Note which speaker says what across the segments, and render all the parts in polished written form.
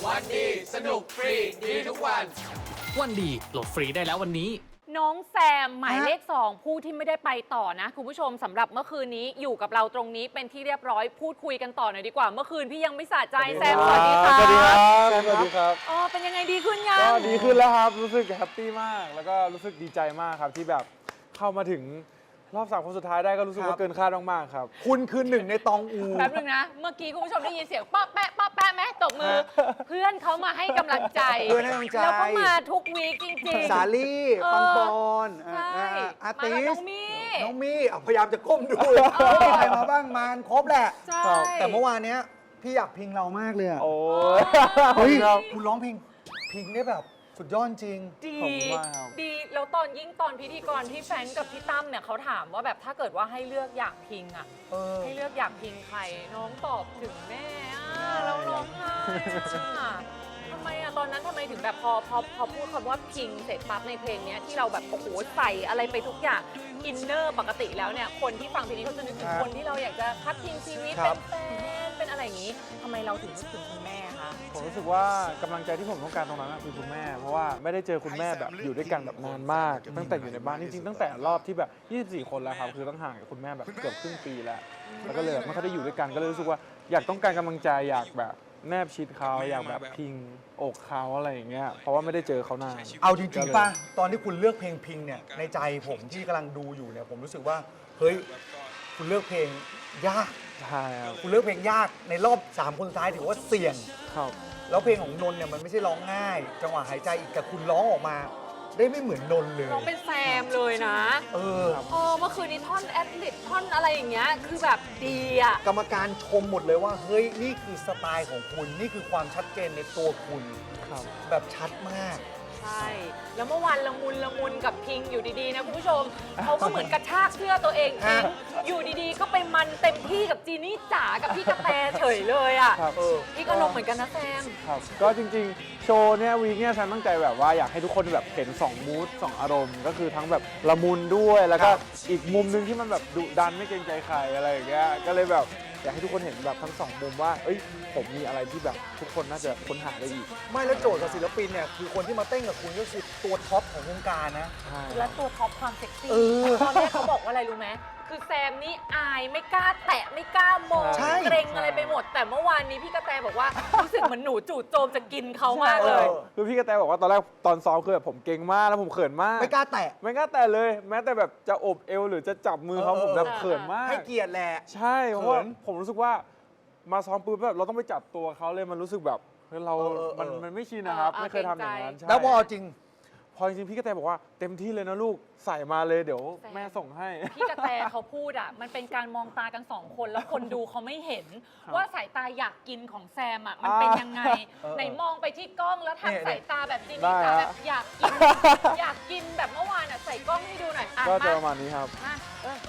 Speaker 1: วันดีสนุกฟรีดีทุกวัน
Speaker 2: วันดีโหลดฟรีได้แล้ววันนี้
Speaker 3: น้องแซมหมายเลข 2 ผู้ที่ไม่ได้ไปต่อนะคุณผู้ชมสำหรับเมื่อคืนนี้อยู่กับเราตรงนี้เป็นที่เรียบร้อยพูดคุยกันต่อหน่อยดีกว่าเมื่อคืนพี่ยังไม่สะใจแซมสวัสดีค่ะ
Speaker 4: สวัสดีครับสวัสดีครับ
Speaker 3: อ๋อเป็นยังไงดีขึ้นยัง
Speaker 4: ก็ดีขึ้นแล้วครับรู้สึกแฮปปี้มากแล้วก็รู้สึกดีใจมากครับที่แบบเข้ามาถึงรอบ3 คนสุดท้ายได้ก็รู้สึกว่าเกินคาดมากๆครับ
Speaker 5: คุณคือหนึ่งในตองอู
Speaker 3: แป๊บนึงนะเมื่อกี้คุณผู้ชมได้ยินเสียงป๊อแปะป๊อแปะไหมตบมือเพื่อนเขามาให้กำลังใจ
Speaker 5: เพื่อนให้กำลังใจ
Speaker 3: แล้วก็มาทุกวีคจริงๆ
Speaker 5: สาลี่ปังปอน
Speaker 3: ใช่
Speaker 5: อาร์
Speaker 3: มา
Speaker 5: ติ
Speaker 3: กับน้
Speaker 5: ส
Speaker 3: องมี่
Speaker 5: น้องมี่พยายามจะก้มดูมีใครมาบ้างมาครบแหละ
Speaker 3: ใช่
Speaker 5: แต่เมื่อวานเนี้ยพี่อยากพิงเรามากเลยอะ
Speaker 4: โอ้
Speaker 5: เฮ้ย
Speaker 4: ครับ
Speaker 5: คุณร้องพิงได้แบบสุดยอดจริง
Speaker 3: ดี
Speaker 4: ขอบคุณมากครับ
Speaker 3: ดีแล้วตอนพิธีกรพี่แฟรงค์กับพี่ตั้มเนี่ยเขาถามว่าแบบถ้าเกิดว่าให้เลือกอยากพิงอ่ะ
Speaker 5: เออ
Speaker 3: ให้เลือกอยากพิงใครน้องตอบถึงแม่แล้วร้องไห้ทำไมอะตอนนั้นทำไมถึงแบบพอพูดคำว่าพิงเสร็จปั๊บในเพลงเนี้ยที่เราแบบโอ้โหใส่อะไรไปทุกอย่างอินเนอร์ปกติแล้วเนี่ยคนที่ฟังเพลงนี้เขาจะนึกถึงคนที่เราอยากจะพัดพิงชีวิต
Speaker 5: ครั
Speaker 3: เป็
Speaker 5: บ
Speaker 3: นแฟนเป็นอะไรอย่างนี้ทำไมเราถึงนึกถึงคุณแม่คะ
Speaker 4: ผมรู้สึกว่ากำลังใจที่ผมต้องการตรงนั้นคือคุณแม่ เพราะว่าไม่ได้เจอคุณแม่แบบอยู่ด้วยกันแบบนานมาก ตั้งแต่อยู่ในบ้านจริงๆตั้งแต่รอบที่แบบ24 คนแล้วครับคือต้องห่างกับคุณแม่แบบเกือบครึ่งปีแล้วแล้วก็เลยแบบไม่ค่อยได้อยู่ด้วยกันก็เลยรู้สึกว่าอยากต้องการกำลังใจอยากแบบแนบชิดเขาอยากแบบพิงอกเขาอะไรอย่างเงี้ยเพราะว่าไม่ได้เจอเขานาน
Speaker 5: เอาจริงๆป่ะตอนที่คุณเลือกเพลงพิงเนี่ยในใจผมที่กำลังดูอยู่เนี่ยผมรู้สึกว่าเฮ้ยคุณเลือกเพลงยาก
Speaker 4: ใช่ครับ
Speaker 5: คุณเลือกเพลงยากในรอบ3 คนสุดท้ายถือว่าเสี่ยง
Speaker 4: ครับ
Speaker 5: แล้วเพลงของนนท์เนี่ยมันไม่ใช่ร้องง่าย จังหวะหายใจอีกแต่คุณร้องออกมา ได้ไม่เหมือนนนท์เลย
Speaker 3: น้องเป็นแซมเลยนะ
Speaker 5: เออ
Speaker 3: เมื่อคืนนี้ท่อนแอดลิบท่อนอะไรอย่างเงี้ยคือแบบดีอ่ะ
Speaker 5: กรรมการชมหมดเลยว่า เฮ้ย นี่คือสไตล์ของคุณ นี่คือความชัดเจนในตัวคุณ
Speaker 4: ครับ
Speaker 5: แบบชัดมาก
Speaker 3: ใช่ แล้วเมื่อวานละมุนกับพิงอยู่ดีๆนะคุณผู้ชม เขาก็เหมือนกระชากเสื้อตัวเองพิงอยู่ดีๆ ก็ไปมันเต็มที่กับจีนี่จ๋ากับพี่กระแตเฉยเลยอ่ะ
Speaker 4: ครับ
Speaker 3: พี่ก็ลงเหมือนกันนะแซม
Speaker 4: ครับก็จริงๆ โชว์เนี่ยวีคเนี่ยฉันตั้งใจแบบว่าอยากให้ทุกคนแบบเห็น2มูด2อารมณ์ก็คือทั้งแบบละมุนด้วยแล้วก็อีกมุมนึงที่มันแบบดุดันไม่เกรงใจใครอะไรอย่างเงี้ยก็เลยแบบอยากให้ทุกคนเห็นแบบทั้ง2มุมว่าเอ้ยผมมีอะไรที่แบบทุกคนน่าจะค้นหาได้อีก
Speaker 5: ไม่แล้วโจทย์กับศิลปินเนี่ย คือคนที่มาเต้นกับคุณก็คือตัวท็อปของวงการนะ
Speaker 4: ใช่
Speaker 3: และตัวท็อปความเซ็กซี่
Speaker 5: เออ
Speaker 3: ตอนแรกเขาบอกว่าอะไรรู้ไหมคือแซมนี่อายไม่กล้าแตะไม่กล้ามอง
Speaker 5: ใช่
Speaker 3: เกรงอะไรไปหมด แต่เมื่อวานนี้พี่กระแตบอกว่ารู้สึกเหมือนหนูจู่โจมจะกินเขามากเลย
Speaker 4: คือพี่กระแตบอกว่าตอนแรกตอนซ้อมคือแบบผมเก่งมากแล้วผมเขินมาก
Speaker 5: ไม่กล้าแตะ
Speaker 4: ไม่กล้าแต่เลยแม้แต่แบบจะอบเอวหรือจะจับมือเขาผมแบบเขินมาก
Speaker 5: ให้เกียรติแหละ
Speaker 4: ใช่เพราะว่า
Speaker 5: เขิน
Speaker 4: ผมรู้สึกว่ามาซ้อมปุ๊บแบบเราต้องไปจับตัวเขาเลยมันรู้สึกแบบเฮ้ยเรา มันไม่ชินนะครับ ไม่เคยทำอย่างนั้นใช่
Speaker 5: แล้วพอจริง
Speaker 4: พอจริงๆพี่กระแตบอกว่าเต็มที่เลยนะลูกใส่มาเลยเดี๋ยว
Speaker 3: แซม
Speaker 4: แม่ส่งให้
Speaker 3: พี่กระแตเขาพูดอ่ะมันเป็นการมองตากันสองคนแล้วคนดูเขาไม่เห็น ว่าสายตาอยากกินของแซมอ่ะมันเป็นยังไง ไหนมองไปที่กล้องแล้ว
Speaker 5: เนี่ย
Speaker 3: ทำสายตาแบบจี
Speaker 4: ได้
Speaker 3: นี่จ๋า
Speaker 4: ฮะ
Speaker 3: แบบอยากกิน อยากกินแบบเมื่อวานอ่ะใส่กล้องให้ดูหน่อยอ่ะ
Speaker 4: ก็จะ
Speaker 3: มา
Speaker 4: ประมาณนี้ครับ
Speaker 3: มาเออ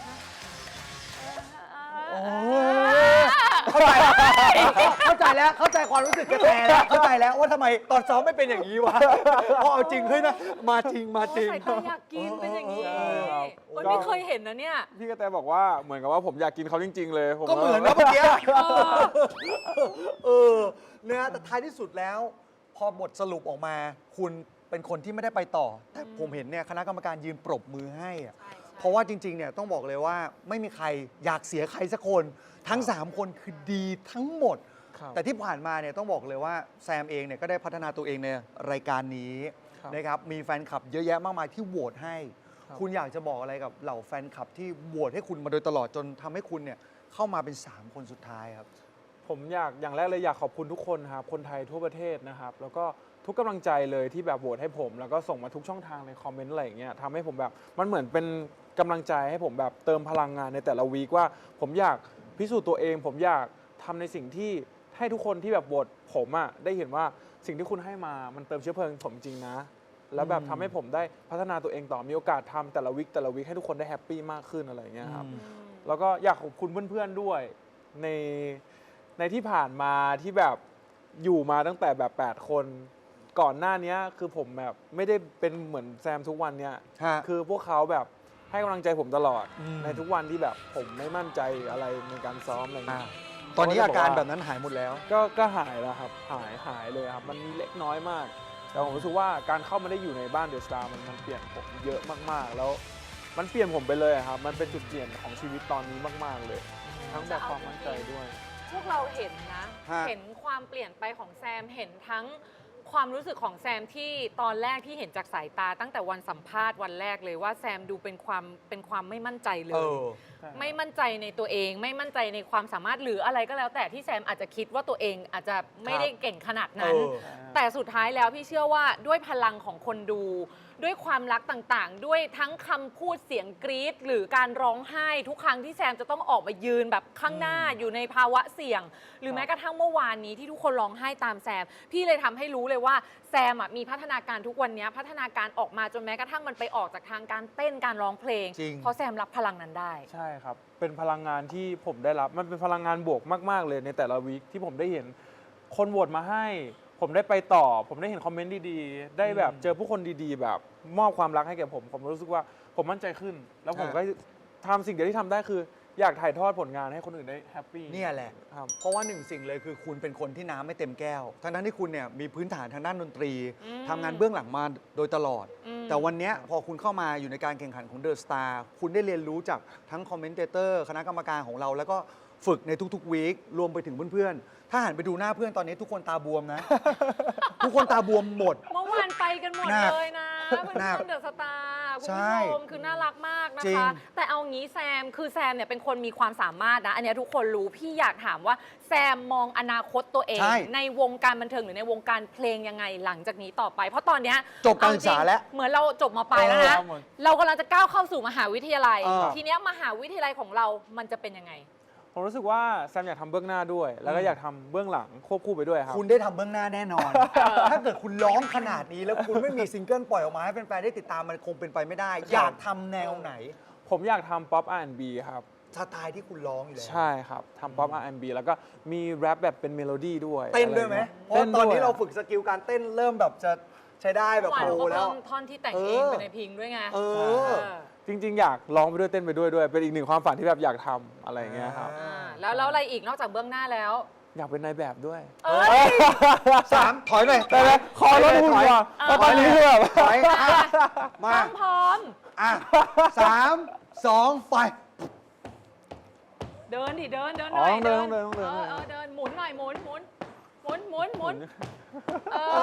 Speaker 5: โอ้ยเข้าใจแล้วเข้าใจแล้วเข้าใจความรู้สึกกระแตแล้วเข้าใจแล้วว่าทำไมตอนซ้อมไม่เป็นอย่างนี้วะพอเอาจริงเฮ้ยนะมาจริงมาจริง
Speaker 3: สายตาอยากกินเป็นอย่างนี้
Speaker 4: ใช่ครับ
Speaker 3: โอ้ยไม่เคยเห็นนะเนี่ย
Speaker 4: พี่กระแตบอกว่าเหมือนกับว่าผมอยากกินเขาจริง ๆ เลยผม
Speaker 5: ก็เหมือนนะเมื่อกี้เนี่ยแต่ท้ายที่สุดแล้ว พอบทสรุปออกมา คุณเป็นคนที่ไม่ได้ไปต่อ แต่ผมเห็นเนี่ยคณะกรรมการยืนปรบมือให้อะ
Speaker 3: ใช่
Speaker 5: เพราะว่าจริงๆเนี่ยต้องบอกเลยว่าไม่มีใครอยากเสียใครสักคนทั้ง 3 คนคือดีทั้งหมด
Speaker 4: ครับ
Speaker 5: แต่ที่ผ่านมาเนี่ยต้องบอกเลยว่าแซมเองเนี่ยก็ได้พัฒนาตัวเองในรายการนี้
Speaker 4: ครับ
Speaker 5: นะครับมีแฟนคลับเยอะแยะมากมายที่โหวตให้
Speaker 4: ครับ
Speaker 5: คุณอยากจะบอกอะไรกับเหล่าแฟนคลับที่โหวตให้คุณมาโดยตลอดจนทำให้คุณเนี่ยเข้ามาเป็น 3 คนสุดท้ายครับ
Speaker 4: ผมอยากอย่างแรกเลยอยากขอบคุณทุกคนครับคนไทยทั่วประเทศนะครับแล้วก็ทุกกำลังใจเลยที่แบบโหวตให้ผม แล้วก็ส่งมาทุกช่องทางในคอมเมนต์อะไรอย่างเงี้ยทำให้ผมแบบมันเหมือนเป็นกำลังใจให้ผมแบบเติมพลังงานในแต่ละวีคว่าผมอยากพิสูจน์ตัวเอง ผมอยากทำในสิ่งที่ให้ทุกคนที่แบบโหวตผมอ่ะได้เห็นว่าสิ่งที่คุณให้มามันเติมเชื้อเพลิงผมจริงนะแล้วแบบทำให้ผมได้พัฒนาตัวเองต่อมีโอกาสทำแต่ละวีคให้ทุกคนได้แฮปปี้มากขึ้นอะไรอย่างเงี้ยครับ แล้วก็อยากขอบคุณเพื่อนๆด้วยในที่ผ่านมาที่แบบอยู่มาตั้งแต่แบบ8 คนก่อนหน้านี้คือผมแบบไม่ได้เป็นเหมือนแซมทุกวันเนี้ย
Speaker 5: ฮะ
Speaker 4: คือพวกเขาแบบให้กำลังใจผมตลอด
Speaker 5: อืม
Speaker 4: ในทุกวันที่แบบผมไม่มั่นใจอะไรในการซ้อมอะไรเงี้ย
Speaker 5: ตอนนี้
Speaker 4: เข
Speaker 5: อา
Speaker 4: จะ
Speaker 5: การ
Speaker 4: ว่
Speaker 5: แบบนั้นหายหมดแล้ว
Speaker 4: ก็หายแล้วครับหายเลยครับมันมีเล็กน้อยมาก แต่ผมรู้สึกว่าการเข้ามาได้อยู่ในบ้านเดอะสตาร์มันเปลี่ยนผมเยอะมากๆ แล้วมันเปลี่ยนผมไปเลยอะครับมันเป็นจุดเปลี่ยนของชีวิตตอนนี้มากๆเลย ทั้งแบบความมั่นใจด้วย
Speaker 3: พวกเราเห็นนะ
Speaker 5: ฮะ
Speaker 3: เห็นความเปลี่ยนไปของแซม เห็นทั้งความรู้สึกของแซมที่ตอนแรกที่เห็นจากสายตาตั้งแต่วันสัมภาษณ์วันแรกเลยว่าแซมดูเป็นความไม่มั่นใจเล
Speaker 5: เอย อ
Speaker 3: ไม่มั่นใจในตัวเอง ไม่มั่นใจในความสามารถหรืออะไรก็แล้ว แต่ที่แซมอาจจะคิดว่าตัวเองอาจจะไม่ได้เก่งขนาดนั้น
Speaker 5: เออ
Speaker 3: แต่สุดท้ายแล้วพี่เชื่อว่าด้วยพลังของคนดู ด้วยความรักต่างๆ ด้วยทั้งคำพูดเสียงกรี๊ดหรือการร้องไห้ทุกครั้งที่แซมจะต้องออกมายืนแบบข้างหน้าอยู่ในภาวะเสี่ยง หรือแม้กระทั่งเมื่อวานนี้ที่ทุกคนร้องไห้ตามแซม พี่เลยทำให้รู้เลยว่าแซมอะมีพัฒนาการทุกวันนี้พัฒนาการออกมาจนแม้กระทั่งมันไปออกจากทางการเต้นการร้องเพลง
Speaker 5: จริง
Speaker 3: เพราะแซมรับพลังนั้นได้
Speaker 4: ใช่ครับ เป็นพลังงานที่ผมได้รับ มันเป็นพลังงานบวกมากๆเลยในแต่ละวีคที่ผมได้เห็นคนโหวตมาให้ ผมได้ไปต่อ ผมได้เห็นคอมเมนต์ดีๆ ได้แบบเจอผู้คนดีๆ แบบมอบความรักให้แก่ผม ผมรู้สึกว่าผมมั่นใจขึ้น แล้วผมก็ทำสิ่งเดียวที่ทำได้คือ อยากถ่ายทอดผลงานให้คนอื่นได้แฮปปี้
Speaker 5: เนี่ยแหละ
Speaker 4: ครับ
Speaker 5: เพราะว่าหนึ่งสิ่งเลยคือคุณเป็นคนที่น้ำไม่เต็มแก้ว ทั้งที่คุณเนี่ยมีพื้นฐานทางด้านดนตรี
Speaker 3: อืม
Speaker 5: ทำงานเบื้องหลังมาโดยตลอด
Speaker 3: อืม
Speaker 5: แต่วันเนี้ยพอคุณเข้ามาอยู่ในการแข่งขันของเดอะสตาร์คุณได้เรียนรู้จากทั้งคอมเมนเตอร์คณะกรรมการของเรา แล้วก็ฝึกในทุกๆวีครวมไปถึงเพื่อนๆ ถ้าหันไปดูหน้าเพื่อนตอนนี้ทุกคนตาบวมนะ ทุกคนตาบวมหมด
Speaker 3: เมื่อวานไปกันหมด
Speaker 5: หนัก
Speaker 3: เลยนะเพื่
Speaker 5: หนัก
Speaker 3: อนๆเดอะสตาร์คุณ
Speaker 5: ใช่
Speaker 3: ผู้ชมคือน่ารักมากนะ
Speaker 5: จริง
Speaker 3: คะ แต่เอางี้แซมคือแซมเนี่ยเป็นคนมีความสามารถนะ อันเนี้ยทุกคนรู้พี่อยากถามว่าแซมมองอนาคตตัวเอง
Speaker 5: ใช่
Speaker 3: ในวงการบันเทิงหรือในวงการเพลงยังไงหลังจากนี้ต่อไป เพราะตอนเนี้ย
Speaker 5: จบการศึกษาแล้ว
Speaker 3: เหมือนเราจบมปลายแล้วนะ
Speaker 4: เออ
Speaker 3: เรากำลังจะก้าวเข้าสู่มหาวิทยาลัย
Speaker 5: เออ
Speaker 3: ทีเนี้ยมหาวิทยาลัยของเรามันจะเป็นยังไง
Speaker 4: ผมรู้สึกว่าแซมอยากทำเบื้องหน้าด้วย แล้วก็อยากทำเบื้องหลังควบคู่ไปด้วยครับ
Speaker 5: คุณได้ทำเบื้องหน้าแน่นอน ถ้าเกิดคุณร้องขนาดนี้แล้วคุณไม่มีซิงเกิลปล่อยออกมาให้แฟนๆได้ติดตามมันคงเป็นไปไม่ได้ อยากทำแนวไหน
Speaker 4: ผมอยากทำป๊อป R&B ครับ
Speaker 5: สไตล์ที่คุณร้องอยู่แล้ว
Speaker 4: ใช่ครับทำป๊อป R&B แล้วก็มีแรปแบบเป็นเมโลดี้ด้วย
Speaker 5: เต้นด้วยไหม
Speaker 4: อะ
Speaker 5: เพราะ
Speaker 4: งี้
Speaker 5: ตอนนี้
Speaker 4: ต้
Speaker 5: เรา
Speaker 4: ด้วย
Speaker 5: ฝึกสกิลการเต้นเริ่มแบบจะใช้ได้แบบ
Speaker 3: หวาน
Speaker 5: โปร
Speaker 3: ก็
Speaker 5: แล้ว
Speaker 3: เพิ่มท่อนที่แต่งเองไปในเพลงด้วยไง
Speaker 5: เออ
Speaker 4: จริง ๆ อยากร้องไปด้วยเต้นไปด้วย เป็นอีกหนึ่งความฝันที่แบบอยากทำอะไรอย่างเงี้ยครับ
Speaker 3: แล้วอะไรอีกนอกจากเบื้องหน้าแล้ว
Speaker 4: อยากเป็นนายแบบด้วย
Speaker 3: เอ้ย
Speaker 5: สามถอยหน่อย
Speaker 4: แต่ละคอรถหุ่นว่ะเพราะตอนนี้คือแบบ
Speaker 5: ถอยอ่ะมา
Speaker 3: พร้อม
Speaker 5: อ่ะ3 2 ไป
Speaker 3: เดินดิเดินห
Speaker 4: อ๋อ
Speaker 3: น่อย
Speaker 4: ต้องเดิน
Speaker 3: เดินหมุนหน่อยหมุนเออ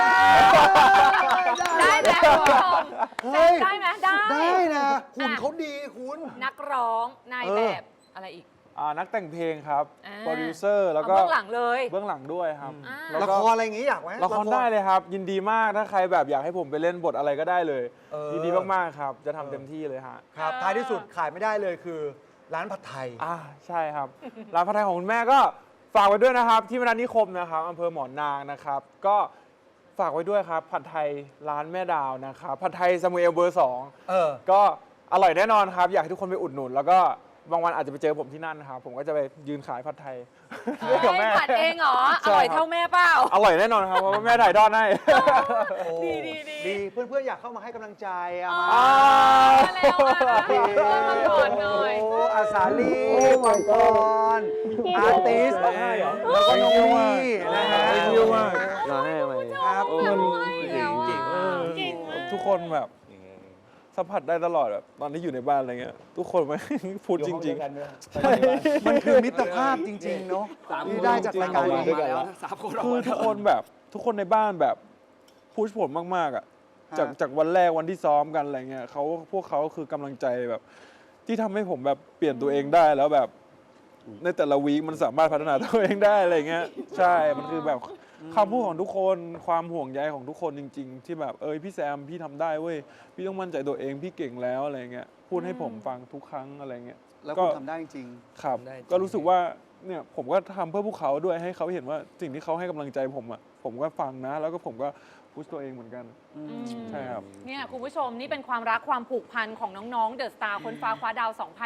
Speaker 5: ได้
Speaker 3: ได้ไหมคุณผู้ชม
Speaker 5: เฮ้ย
Speaker 3: ได้ไหมได้
Speaker 5: ได้นะหุ่นเขาดีคุณ
Speaker 3: นักร้องนายแบบอะไรอีก
Speaker 4: นักแต่งเพลงครับ
Speaker 3: อ่า
Speaker 4: โปรดิวเซอร์แล้วก็
Speaker 3: เอาเบื้องหลังเลย
Speaker 4: เบื้องหลังด้วยครับ
Speaker 3: อ่า
Speaker 4: แล้ว
Speaker 5: ละ
Speaker 4: ก็
Speaker 5: ครอะไรอย่างงี้อยากไหม
Speaker 4: ละครได้เลยครับ ยินดีมากถ้าใครแบบอยากให้ผมไปเล่นบทอะไรก็ได้เลย
Speaker 5: เออ
Speaker 4: ยินดีมากๆครับ จะทำเต็มที่เลยฮะ
Speaker 5: ครับท้ายที่สุดขายไม่ได้เลยคือร้านผัดไทย
Speaker 4: ใช่ครับ ร้านผัดไทยของคุณแม่ก็ฝากไว้ด้วยนะครับ ที่มนัสนิคมนะครับอำเภอหมอนางนะครับ ก็ฝากไว้ด้วยครับ ผัดไทยร้านแม่ดาวนะครับ ผัดไทยซามูเอลเบอร์
Speaker 5: เออ
Speaker 4: 2ก็อร่อยแน่นอนครับ อยากให้ทุกคนไปอุดหนุน แล้วก็บางวันอาจจะไปเจอผมที่นั่นนะครับ ผมก็จะไปยืนขายผัดไทย
Speaker 3: เอ้ย
Speaker 4: กับแม่
Speaker 3: ผัดเองเหรอ
Speaker 4: ใช่
Speaker 3: อร่อย
Speaker 4: ครับ
Speaker 3: เท่าแม่เปล่า
Speaker 4: อร่อยแน่นอนครับ เพราะว่าแม่ถ่ายทอดให้
Speaker 5: โอ้
Speaker 3: ดี
Speaker 5: เพื่อนๆอยากเข้ามาให้กำลังใจเอา
Speaker 3: อ๋อ
Speaker 5: มา
Speaker 3: มาแล้วอ่ะเดินมาก่อนหน่อย
Speaker 5: โอ้อาสาลีมังกรอาร์ติส
Speaker 4: ได้เหรอ
Speaker 5: แล้วก็น้องมี่นะฮะ
Speaker 4: ไปเที่ยวมากร้านให้ไหม
Speaker 5: ครับ
Speaker 3: โอ้ยแล้วอ่ะ
Speaker 4: เก่งมาก
Speaker 3: เก่งมาก
Speaker 4: ทุกคนแบบสัมผัสได้ตลอดแบบตอนที่อยู่ในบ้านอะไรเงี้ยทุกคนไม่ พูดจริง
Speaker 5: มันคือมิตรภาพจริง ๆ เนาะที่ได้จากรายการนี้
Speaker 4: ๆ คือทุกคนแบบทุกคนในบ้านแบบพุชผมมากๆอ่ะจากวันแรกวันที่ซ้อมกันอะไรเงี้ยพวกเขาคือกำลังใจแบบ ที่ทำให้ผมแบบเปลี่ยนตัวเองได้แล้วแบบในแต่ละวีคมันสามารถพัฒนาตัวเองได้อะไรเงี้ยใช่มันคือแบบคำพูดของทุกคนความห่วงใยของทุกคนจริง ๆ ที่แบบพี่แซมพี่ทำได้เว้ยพี่ต้องมั่นใจตัวเองพี่เก่งแล้วอะไรเงี้ยพูดให้ผมฟังทุกครั้งอะไรเงี้ย
Speaker 5: แล้วคุณทำได้จริง
Speaker 4: ครับก็รู้สึกว่าเนี่ยผมก็ทำเพื่อพวกเขาด้วยให้เขาเห็นว่าสิ่งที่เขาให้กำลังใจผมอ่ะผมก็ฟังนะ แล้วก็ผมก็พุชตัวเองเหมือนกันใช่ครับ
Speaker 3: เนี่ยคุณผู้ชมนี่เป็นความรักความผูกพันของน้องๆเดอะสตาร์คนฟ้าคว้าดาว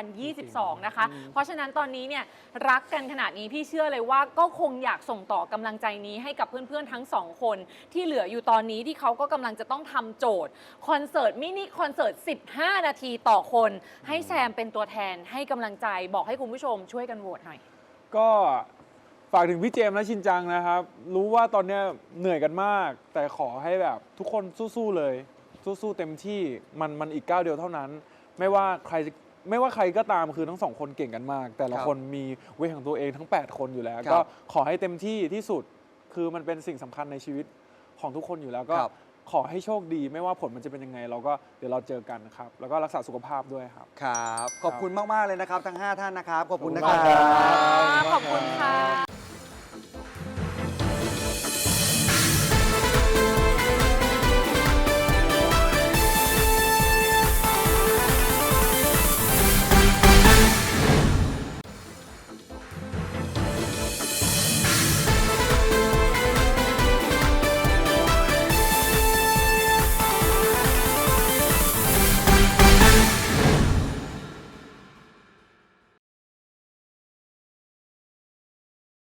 Speaker 3: 2022 นะคะ เพราะฉะนั้นตอนนี้เนี่ยรักกันขนาดนี้พี่เชื่อเลยว่าก็คงอยากส่งต่อกำลังใจนี้ให้กับเพื่อนๆทั้งสองคนที่เหลืออยู่ตอนนี้ที่เขาก็กำลังจะต้องทำโจทย์คอนเสิร์ตมินิคอนเสิร์ต 15 นาทีต่อคน ให้แซมเป็นตัวแทนให้กำลังใจบอกให้คุณผู้ชมช่วยกันโหวตหน่อย
Speaker 4: ก็ฝากถึงพี่เจมส์และชินจังนะครับ รู้ว่าตอนเนี้ยเหนื่อยกันมาก แต่ขอให้แบบทุกคนสู้ๆเลย สู้ๆเต็มที่มันอีกก้าวเดียวเท่านั้น ไม่ว่าใครก็ตามคือทั้งสองคนเก่งกันมาก แต่ละคนมีเวทของตัวเองทั้ง 8 คนอยู่แล้ว ก็ขอให้เต็มที่ที่สุดคือมันเป็นสิ่งสำคัญในชีวิตของทุกคนอยู่แล้วก็ขอให้โชคดีไม่ว่าผลมันจะเป็นยังไงเดี๋ยวเราเจอกันครับแล้วก็รักษาสุขภาพด้วยครับ
Speaker 5: ครับ ขอบคุณมาก ๆ เลยนะครับ ทั้ง 5 ท่านนะครับ ขอบคุณนะค
Speaker 4: ข
Speaker 5: รั
Speaker 4: อบคุณครับ บ
Speaker 3: ขอบคุณค่ะ